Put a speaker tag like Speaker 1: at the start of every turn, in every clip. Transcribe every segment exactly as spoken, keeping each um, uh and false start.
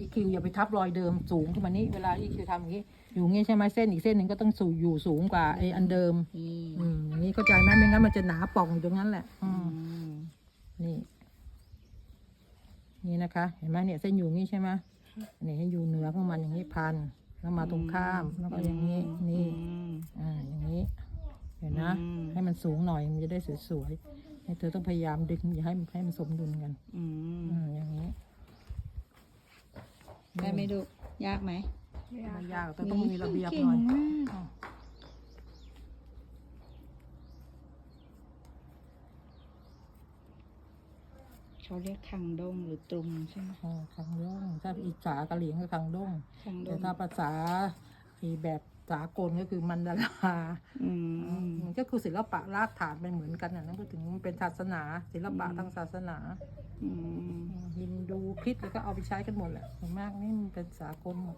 Speaker 1: อีคิวอย่าไปทับรอยเดิมสูงขึ้นมานี่เวลาอีคิวทำอย่างนี้อยู่งี้ใช่ไหมเส้นอีกเส้นหนึ่งก็ต้องสู่อยู่สูงกว่าไอ้อันเดิม
Speaker 2: นี่
Speaker 1: อืมอย่างนี้เข้าใจไหมไม่งั้นมันจะหนาป่องอยู่ตรงนั้นแหละ อื
Speaker 2: อื
Speaker 1: ม
Speaker 2: ม
Speaker 1: นี่ นี่นะคะ เห็นไหมเนี่ยเส้นอยู่งี้ใช่ไหมนี่ให้อยู่เหนือของมันอย่างนี้พันแล้วมาตรงข้ามแล้วก็อย่างนี้นี่
Speaker 2: อืม
Speaker 1: อ่าอย่างนี้ เห็นนะ
Speaker 2: อืม
Speaker 1: ให้มันสูงหน่อยมันจะได้สวยๆให้เธอต้องพยายามดึงอย่าให้ให้มันสมดุลกัน
Speaker 2: อืม
Speaker 1: อืมอย่างนี้
Speaker 2: ได้ไหมลูกยากไหม
Speaker 1: ไม่ยากแต่ต้องมีระเบียบหน่อย
Speaker 2: เก่งมาก
Speaker 1: อ้าว
Speaker 2: เขาเรียกคังด้งหรือตรุมใช่ไหม
Speaker 1: อ่าคังด้งถ้าอีสากะเหลียงก็คังด้ง
Speaker 2: คังด้
Speaker 1: แต่
Speaker 2: ง
Speaker 1: ถ้าภาษาอีแบบสากลก็คือมันดารา
Speaker 2: อืม
Speaker 1: มันก็คือศิลปะรากฐานเป็นเหมือนกันนะพูดถึงมันเป็นศาสนา ศิลปะทางศาสนา
Speaker 2: อืม
Speaker 1: ฮินดูคริสต์แล้วก็เอาไปใช้กันหมดแหละส่วนมากนี่มันเป็นสากลหมด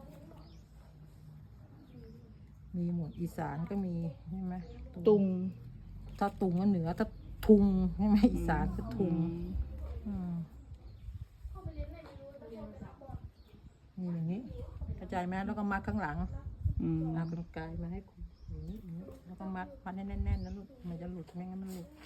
Speaker 1: มีหมดอีสานก็มีใช่ไหม
Speaker 2: ตุง
Speaker 1: ถ้าตุงก็เหนือถ้าทุงใช่ไหมอีสานก็ทุง อืมนี่อย่างนี้เข้าใจไหมแล้วก็มัดข้างหลัง
Speaker 2: อืม
Speaker 1: เอากรรไกรมาให้คุณอย่างนี้อย่างนี้แล้วก็มัดมัดให้แน่นๆนะลูกมันจะหลุดไม่งั้นมันหลุด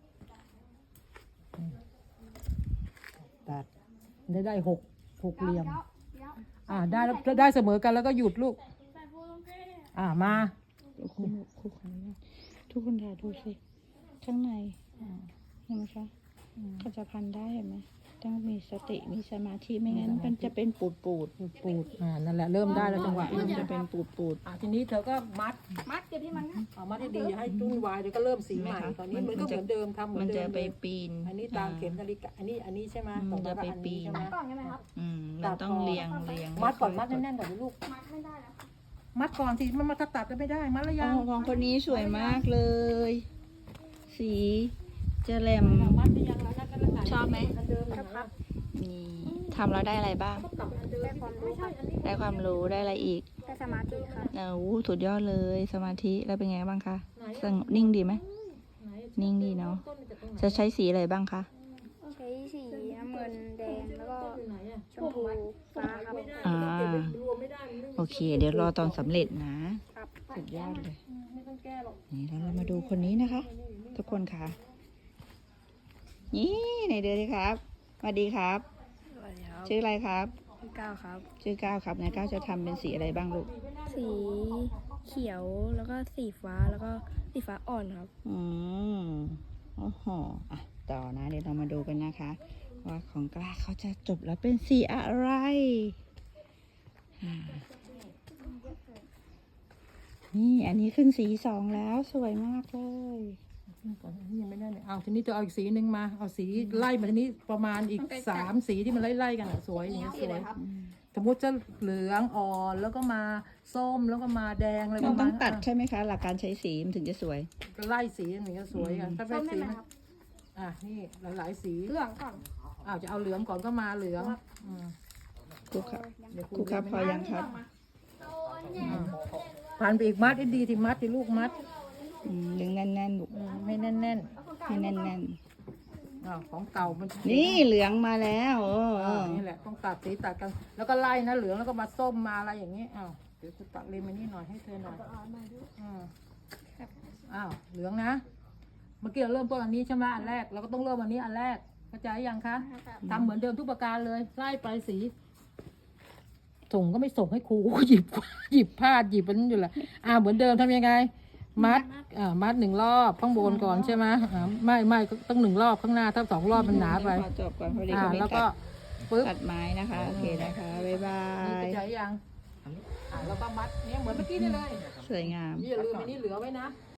Speaker 1: อืมตัดได้ได้หกหกเหลี่ยม อ่าได้แล้วได้เสมอกันแล้วก็หยุดลูก อ่ามา
Speaker 2: คุณคุณขออนุญาตทุกคนถ่ายดูสิข้างในเห็นไหมคะเขาจะพันได้เห็นไหมต้องมีสติมีสมาธิไม่งั้นมันจะเป็นปูดปูด
Speaker 1: ปูดปูดอ่านั่นแหละเริ่มได้แล้วจังหวะ
Speaker 2: มั
Speaker 1: เริ่
Speaker 2: น
Speaker 1: ม
Speaker 2: จะ
Speaker 1: จะ
Speaker 2: เป็
Speaker 1: เป็น น
Speaker 2: ปูดปูด
Speaker 1: อ่าทีนี้เธอก็มัด
Speaker 3: มัดเก็บที่มันนะ
Speaker 1: เอามัดให้ดีอย่าให้จุ้นวายเดี๋ยวก็เริ่มสีใหม่ตอนนี้มันก็เหมือนเดิมทำเหมื
Speaker 2: มั
Speaker 1: อน น
Speaker 2: จะ
Speaker 1: เดิม
Speaker 2: ไปปีน
Speaker 1: อันนี้ตามเข็มนาฬิกาอันนี้อันนี้ใช่ไหม
Speaker 2: มันจะไปปีน
Speaker 1: ใช่ไหม
Speaker 3: ก่อนใช่ไหมครับ
Speaker 2: อืมมันต้องเรียงเรียง
Speaker 1: มัดก่อนมัดแน่นๆก่อนลูก
Speaker 3: มัดไม่ได้แล้ว
Speaker 1: มัดก่อนสิมันมาตัดก็ไม่ได้มัดแล้ว
Speaker 2: อ๋
Speaker 1: ยั
Speaker 2: อง ของคนนี้สวยมากเลย สีจะแหลม
Speaker 1: มัดหรือยังแล้วนั่นก็แล้ว
Speaker 2: ชอบไหม
Speaker 1: อันเดิมครับ
Speaker 2: นี่ทำแล้วได้อะไรบ้าง
Speaker 1: กลับอันเดิม
Speaker 3: ได้ความรู้ครับ
Speaker 2: ได้ความรู้ได้อะไรอีก
Speaker 3: ได้สมาธิครับ
Speaker 2: โอ้โหสุดยอดเลยสมาธิแล้วเป็นไงบ้างคะสงบนิ่งดีไหม นิ่งดีเนอะ จะใช้สีอะไรบ้างคะ
Speaker 3: ใช้สีน้ำเงินแดงแล้วก็ชมพูฟ้าครับ
Speaker 2: อ่า โอเค เดี๋ยวรอตอนสำเร็จนะ
Speaker 3: ครับ
Speaker 2: สุดยอดเลย
Speaker 1: ไม่ต้องแก้หรอก
Speaker 2: นี่แล้วเรามาดูคนนี้นะคะ ทุกคนค่ะ นี่ไหนเดือนดีครับสวัสดีครับ
Speaker 3: สวัสดีครับ
Speaker 2: ชื่ออะไรครับ
Speaker 3: พี่ก้าวครับ
Speaker 2: ชื่อก้าวครับนายก้าวจะทำเป็นสีอะไรบ้างลูก
Speaker 3: สีเขียวแล้วก็สีฟ้าแล้วก็สีฟ้าอ่อนครับ
Speaker 2: อืมโอ้โหอ่ะต่อนะ เดี๋ยวเรามาดูกันนะคะ ว่าของกล้าเขาจะจบแล้วเป็นสีอะไรอ่านี่อันนี้ขึ้นสีสองแล้วสวยมากเลย
Speaker 1: ก่อนอันนี้ยังไม่ได้เลยเอาทีนี้จะเอาอีกสีหนึ่งมาเอาสีไล่มาทีนี้ประมาณอีกสามสีที่มันไล่ๆกันอะสวยอย่างเงี้ยสวยสมมติจะเหลืองอ่อนแล้วก็มาส้มแล้วก็มาแดงอะไรป
Speaker 2: มัน
Speaker 1: ระ
Speaker 2: ต้
Speaker 1: มา
Speaker 2: อ
Speaker 1: ณ
Speaker 2: งตัดใช่ไหมคะ หลักการใช้สีมันถึงจะสวย
Speaker 1: ก็ไล่สีอย่างเงี้ยสวยกันถ้าเป็นสี
Speaker 3: ส้มได้ไหม
Speaker 1: มัน
Speaker 3: ครับ
Speaker 1: อ่ะนี่หลายๆสี
Speaker 3: เหลืองก่อน
Speaker 1: อ้าวจะเอาเหลืองก่อนก็มาเหลืองอืม
Speaker 2: ครูครับ
Speaker 1: เดี๋ยว
Speaker 2: ครูครับพอยังครับ
Speaker 1: ผ่านไปอีกมัดให้ดีที่มัดที่ลูกมัด
Speaker 2: อืมดึงแน่นๆลูก
Speaker 1: อืมให้แน่น
Speaker 2: ให้แน่น
Speaker 1: ๆอ้าวของเก่ามัน
Speaker 2: ๆนี่เหลืองมาแล้วโอ้
Speaker 1: อ่านี่แหละต้องตัดสีตัดกัน แล้วก็ไล่นะเหลืองแล้วก็มาส้มมาอะไรอย่างนี้อ้าวเดี๋ยวจะตัดเลมอันนี้หน่อยให้เธอหน่อยอืมอ้าวเหลืองนะ เมื่อกี้เราเริ่มต้นอันนี้ใช่ไหมอันแรกเราก็ต้องเริ่มอันนี้อันแรกเข้าใจยังคะทำเหมือนเดิมทุกประการเลยไล่ไปสี ส่งก็ไม่ส่งให้ครู หยิบหยิบผ้าหยิบมันอยู่แหละอ่าเหมือนเดิมทำยังไง มัดอ่ามัดหนึ่งรอบข้างบนก่อนใช่ไหมอ่าไม่ไม่ต้องหนึ่งรอบข้างหน้าถ้าสองรอบมันหนาไป
Speaker 2: ขอจบก่อนพอดี
Speaker 1: อ่า
Speaker 2: เขาไม่
Speaker 1: แล้ว
Speaker 2: ตั
Speaker 1: ก็
Speaker 2: ด
Speaker 1: ปึ๊บ
Speaker 2: ตัดไม้นะคะ โอเคนะคะ บ๊ายบา
Speaker 1: นี่
Speaker 2: ย
Speaker 1: เข้าใจยังอ่าแล้วก็มัดเนี่ยเหมือนเมื่อกี้นี่เลย
Speaker 2: สวยงาม
Speaker 1: นี่อย่าลืมอันนี้เหลือไว้นะ